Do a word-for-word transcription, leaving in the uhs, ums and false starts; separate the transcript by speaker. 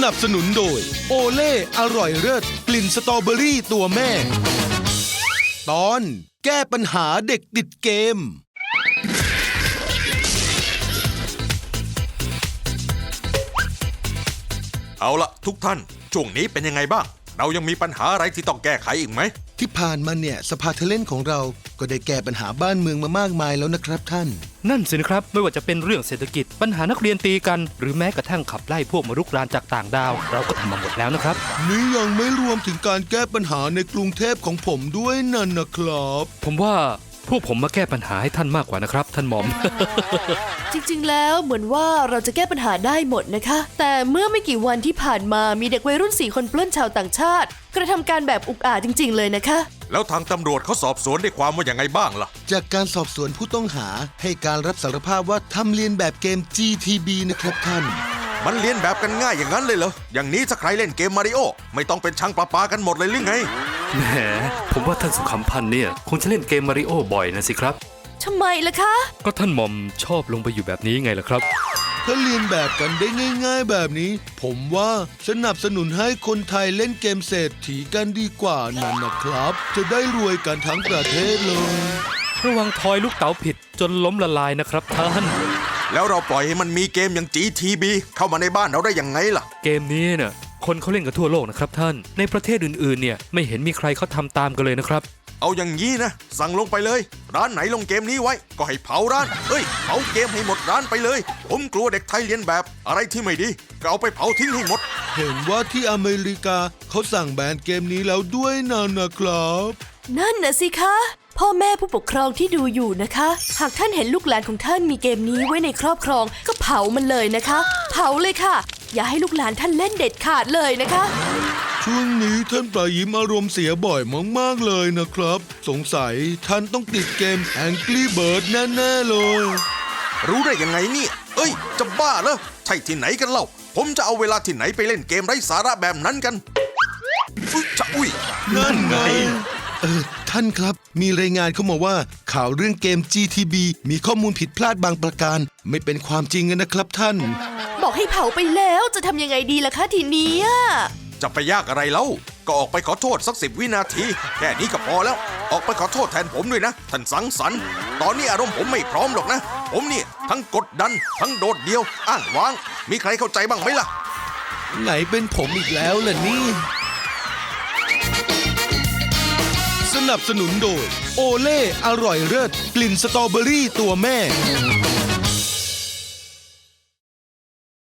Speaker 1: นับสนุนโดยโอเล่อร่อยเลิศกลิ่นสตรอเบอรี่ตัวแม่ตอนแก้ปัญหาเด็กติดเกม
Speaker 2: เอาละทุกท่านช่วงนี้เป็นยังไงบ้างเรายังมีปัญหาอะไรที่ต้องแก้ไขอีกไหม
Speaker 1: ที่ผ่านมาเนี่ยสภาเทเลนของเราก็ได้แก้ปัญหาบ้านเมืองมามากมายแล้วนะครับท่าน
Speaker 3: นั่นสินะครับไม่ว่าจะเป็นเรื่องเศรษฐกิจปัญหานักเรียนตีกันหรือแม้กระทั่งขับไล่พวกมรุกรานจากต่างดาวเราก็ทำมาหมดแล้วนะครับ
Speaker 1: นี่ยังไม่รวมถึงการแก้ปัญหาในกรุงเทพของผมด้วยนั่นนะครับ
Speaker 3: ผมว่าพวกผมมาแก้ปัญหาให้ท่านมากกว่านะครับท่านหม่อม
Speaker 4: จริงๆแล้วเหมือนว่าเราจะแก้ปัญหาได้หมดนะคะแต่เมื่อไม่กี่วันที่ผ่านมามีเด็กวัยรุ่นสี่คนปล้นชาวต่างชาติกระทำการแบบอุกอาจจริงๆเลยนะคะ
Speaker 2: แล้วทางตำรวจเขาสอบสวนได้ความว่าอย่างไงบ้างล่ะ
Speaker 1: จากการสอบสวนผู้ต้องหาให้การรับสารภาพว่าทำเลียนแบบเกม จี ที บี นะครับท่าน
Speaker 2: มันเลียนแบบกันง่ายอย่างนั้นเลยเหรออย่างนี้ถ้าใครเล่นเกมมาริโอไม่ต้องเป็นช่างประปากันหมดเลยหรือไง
Speaker 3: แหมผมว่าท่านสุขำพันธ์เนี่ยคงจะเล่นเกมมาริโอบ่อยนะสิครับ
Speaker 4: ทำไมล่ะคะ
Speaker 3: ก็ท่านหม่อมชอบลงไปอยู่แบบนี้ไงล่ะครับ
Speaker 1: ถ้าเรียนแบบกันได้ง่ายๆแบบนี้ผมว่าสนับสนุนให้คนไทยเล่นเกมเศรษฐีกันดีกว่านั่นนะครับจะได้รวยกันทั้งประเทศเลย
Speaker 3: ระวังทอยลูกเต๋าผิดจนล้มละลายนะครับท่าน
Speaker 2: แล้วเราปล่อยให้มันมีเกมอย่าง จี ที บี เข้ามาในบ้านเราได้ยังไงล่ะ
Speaker 3: เกมนี้เนี่ยคนเขาเล่นกันทั่วโลกนะครับท่านในประเทศอื่นๆเนี่ยไม่เห็นมีใครเขาทำตามกันเลยนะครับ
Speaker 2: เอาอย่างนี้นะสั่งลงไปเลยร้านไหนลงเกมนี้ไว้ก็ให้เผาร้านเอ้ยเผาเกมให้หมดร้านไปเลยผมกลัวเด็กไทยเลียนแบบอะไรที่ไม่ดีก็เอาไปเผาทิ้งให้หมด
Speaker 1: เห็นว่าที่อเมริกาเขาสั่งแบนเกมนี้แล้วด้วยนะนะครับ
Speaker 4: นั่นน่ะสิคะพ่อแม่ผู้ปกครองที่ดูอยู่นะคะหากท่านเห็นลูกหลานของท่านมีเกมนี้ไว้ในครอบครองก็เผามันเลยนะคะเผาเลยค่ะอย่าให้ลูกหลานท่านเล่นเด็ดขาดเลยนะคะ
Speaker 1: ช่วงนี้ท่านปลายิ้มอารมณ์เสียบ่อยมากๆเลยนะครับสงสัยท่านต้องติดเกม Angry Bird แน่ๆเลย
Speaker 2: รู้ได้ยังไงเนี่ยเอ้ยจะบ้าเหรอใช่ที่ไหนกันเล่าผมจะเอาเวลาที่ไหนไปเล่นเกมไร้สาระแบบนั้นกันอุ๊ยจะอุ้ย
Speaker 1: นั่นไงเออท่านครับมีรายงานเข้ามาว่าข่าวเรื่องเกม จี ที บี มีข้อมูลผิดพลาดบางประการไม่เป็นความจริงนะครับท่าน
Speaker 4: บอกให้เผาไปแล้วจะทำยังไงดีล่ะคะทีนี้
Speaker 2: จะไปยากอะไรเล่าก็ออกไปขอโทษสักสิบวินาทีแค่นี้ก็พอแล้วออกไปขอโทษแทนผมด้วยนะท่านสังสรรค์ตอนนี้อารมณ์ผมไม่พร้อมหรอกนะผมเนี่ยทั้งกดดันทั้งโดดเดี่ยวอ้างว้างมีใครเข้าใจบ้างไหมล่ะ
Speaker 1: ไหนเป็นผมอีกแล้วล่ะนี่สนับสนุนโดยโอเล่อร่อยเลิศกลิ่นสตรอเบอรี่ตัวแม่